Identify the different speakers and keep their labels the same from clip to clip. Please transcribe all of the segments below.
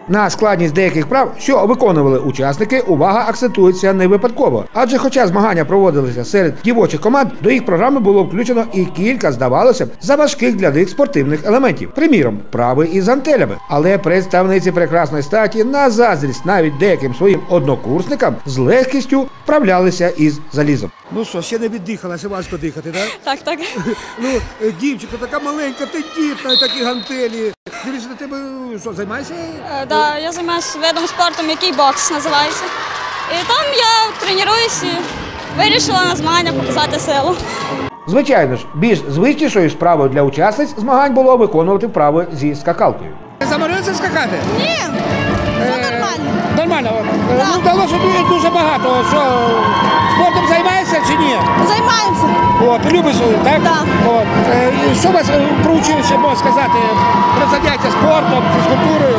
Speaker 1: На складність деяких вправ, що виконували учасники, увага акцентується не випадково. Адже хоча змагання проводилися серед дівочих команд, до їх програми було включено і кілька, здавалося б, заважких для них спортивних елементів. Приміром, вправи із гантелями. Але представниці прекрасної статі, на заздрість навіть деяким своїм однокурсникам, з легкістю вправлялися із залізом. Ну що, ще не віддихалася, важко дихати, так?
Speaker 2: Так.
Speaker 1: Ну, дівчинка така маленька, тендітна, такі гантелі. Дивіться, на тебе що, займаєшся?
Speaker 2: Так, я займаюся видом спорту, який бокс називається. І там я тренуюсь і вирішила на змагання показати силу.
Speaker 1: Звичайно ж, більш звичнішою справою для учасниць змагань було виконувати вправи зі скакалкою. Заморилися скакати?
Speaker 2: Ні, все нормально.
Speaker 1: Нормально. Ну, вдалося дуже багато. Що, спортом займаєшся чи ні?
Speaker 2: Займаємося.
Speaker 1: От, любиш, так?
Speaker 2: Так.
Speaker 1: От. Що вас про училище можна сказати? Про заняття спортом, фізкультурою?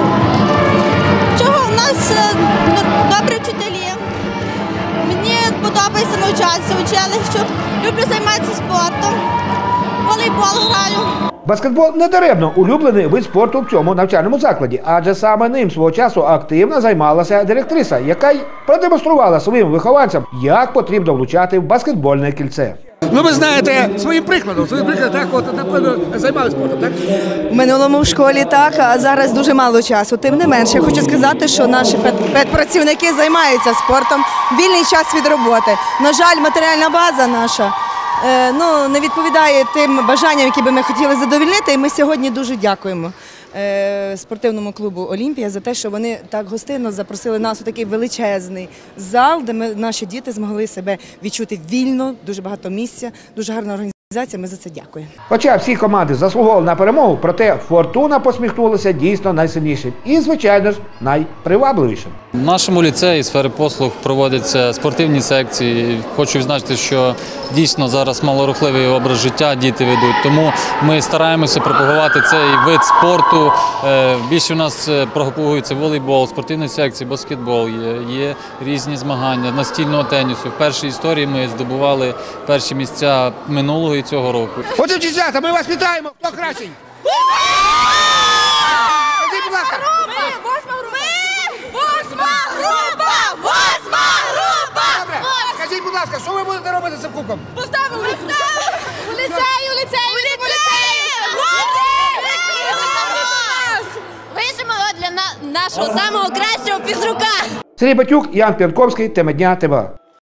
Speaker 2: Чого? У нас добрі вчителі. Мені подобається навчатися в училищі. Люблю займатися спортом. Волейбол граю.
Speaker 1: Баскетбол не даремно улюблений вид спорту в цьому навчальному закладі, адже саме ним свого часу активно займалася директриса, яка й продемонструвала своїм вихованцям, як потрібно влучати в баскетбольне кільце. Ну, ви знаєте, своїм прикладом, так, от, напевно, займалися спортом, так?
Speaker 3: В минулому в школі так, а зараз дуже мало часу. Тим не менше, я хочу сказати, що наші педпрацівники займаються спортом в вільний час від роботи. На жаль, матеріальна база наша не відповідає тим бажанням, які би ми хотіли задовольнити. І ми сьогодні дуже дякуємо спортивному клубу «Олімпія» за те, що вони так гостинно запросили нас у такий величезний зал, де наші діти змогли себе відчути вільно, дуже багато місця, дуже гарна організація. Ми за це дякуємо.
Speaker 1: Хоча всі команди заслуговували на перемогу, проте «Фортуна» посміхнулася дійсно найсильнішим і, звичайно ж, найпривабливішим.
Speaker 4: В нашому ліцеї сфери послуг проводяться спортивні секції. Хочу відзначити, що дійсно зараз малорухливий образ життя діти ведуть, тому ми стараємося пропагувати цей вид спорту. Більше у нас пропагується волейбол, спортивні секції, баскетбол, є різні змагання, настільного тенісу. В першій історії ми здобували перші місця минулого і цього року.
Speaker 1: Отже, дівчата, ми вас вітаємо! Хто кращий? Скажіть, будь ласка! Добре, скажіть, будь ласка, що ви будете робити з цим кубком?
Speaker 2: Поставимо у ліцею! Вишимо його для нашого самого кращого фізрука.
Speaker 1: Сергій Батюк, Ян П'янковський, тема дня ТВА.